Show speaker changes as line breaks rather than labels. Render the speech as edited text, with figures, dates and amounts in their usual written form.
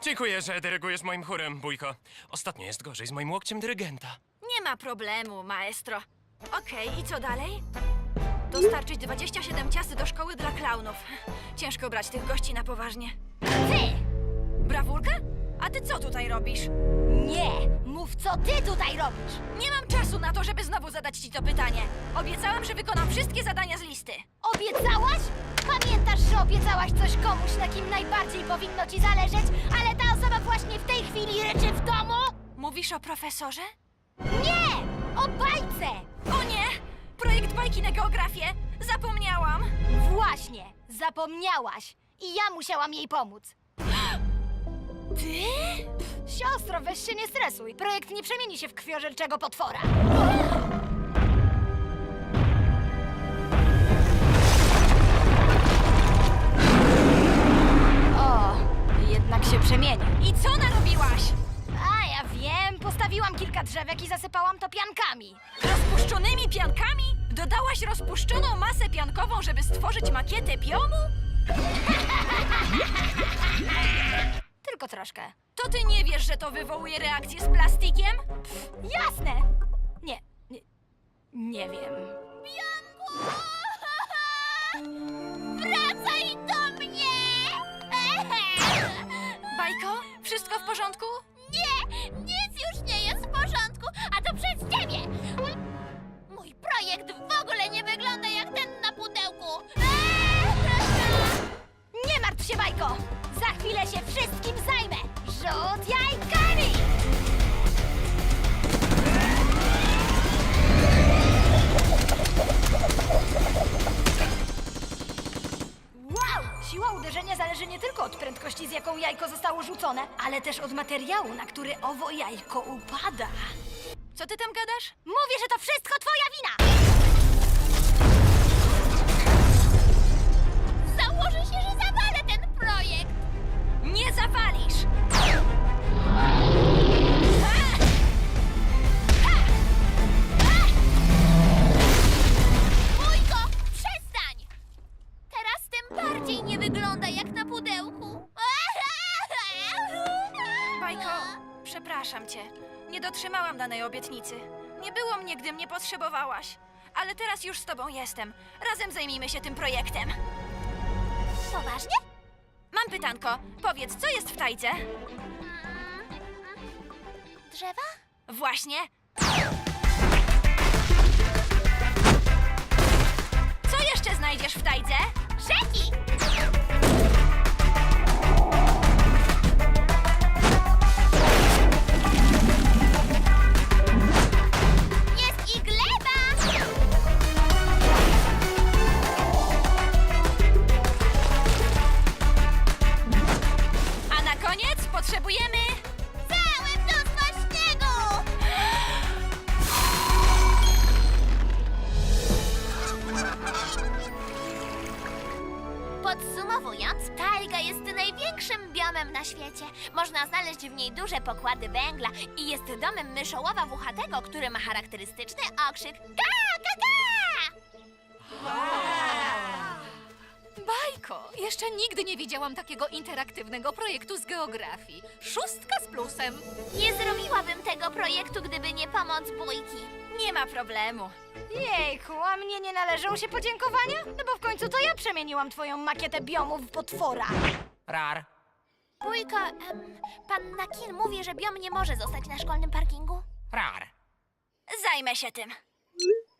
Dziękuję, że dyrygujesz moim chórem, Bójko. Ostatnio jest gorzej z moim łokciem dyrygenta.
Nie ma problemu, maestro. Okej, i co dalej? Dostarczyć 27 ciasty do szkoły dla klaunów. Ciężko brać tych gości na poważnie.
Ty!
Brawurka? A ty co tutaj robisz?
Nie! Mów, co ty tutaj robisz!
Nie mam czasu na to, żeby znowu zadać ci to pytanie. Obiecałam, że wykonam wszystkie zadania z listy.
Obiecałaś? Pamiętasz, że obiecałaś coś komuś, na kim najbardziej powinno ci zależeć, ale ta osoba właśnie w tej chwili ryczy w domu?
Mówisz o profesorze?
Nie! O bajce!
O nie! Projekt bajki na geografię! Zapomniałam!
Właśnie, zapomniałaś. I ja musiałam jej pomóc.
Ty?
Siostro, weź się nie stresuj. Projekt nie przemieni się w krwiożerczego potwora. O, jednak się przemieni.
I co narobiłaś?
A ja wiem, postawiłam kilka drzewek i zasypałam to piankami.
Rozpuszczonymi piankami? Dodałaś rozpuszczoną masę piankową, żeby stworzyć makietę biomu?
Tylko troszkę.
To ty nie wiesz, że to wywołuje reakcję z plastikiem?
Jasne! Nie wiem. Wracaj do mnie!
Bajko, wszystko w porządku?
Nie, nic już nie jest w porządku, a to przez ciebie! Mój projekt w ogóle nie wygląda jak ten na pudełku! Nie martw się, Bajko! Za chwilę się wszystkim zajmę! Rzut jajkami! Wow! Siła uderzenia zależy nie tylko od prędkości, z jaką jajko zostało rzucone, ale też od materiału, na który owo jajko upada.
Co ty tam gadasz?
Mówię, że to wszystko twoja wina! Założę się, że zawalę ten projekt!
Nie zawalisz!
Bójko, przestań! Teraz tym bardziej nie wygląda jak na pudełku.
Bajko, przepraszam cię. Nie dotrzymałam danej obietnicy. Nie było mnie, gdy mnie potrzebowałaś. Ale teraz już z tobą jestem. Razem zajmijmy się tym projektem.
Poważnie?
Mam pytanko. Powiedz, co jest w tajce?
Drzewa?
Właśnie. Co jeszcze znajdziesz w tajce?
Rzeki! Jest i gleba!
A na koniec potrzebujemy...
Całe mnóstwo śniegu! Podsumowując, tajga jest największym biomem na świecie. Można znaleźć w niej duże pokłady węgla i jest domem myszołowa włochatego, który ma charakterystyczny okrzyk ga, ga, ga!
Bajko! Jeszcze nigdy nie widziałam takiego interaktywnego projektu z geografii. 6 z plusem.
Nie zrobiłabym tego projektu, gdyby nie pomoc Bójki.
Nie ma problemu.
Jejku, a mnie nie należą się podziękowania? No bo w końcu to ja przemieniłam twoją makietę biomu w potwora.
Rar.
Bójko, pan Nakin mówi, że biom nie może zostać na szkolnym parkingu.
Rar.
Zajmę się tym.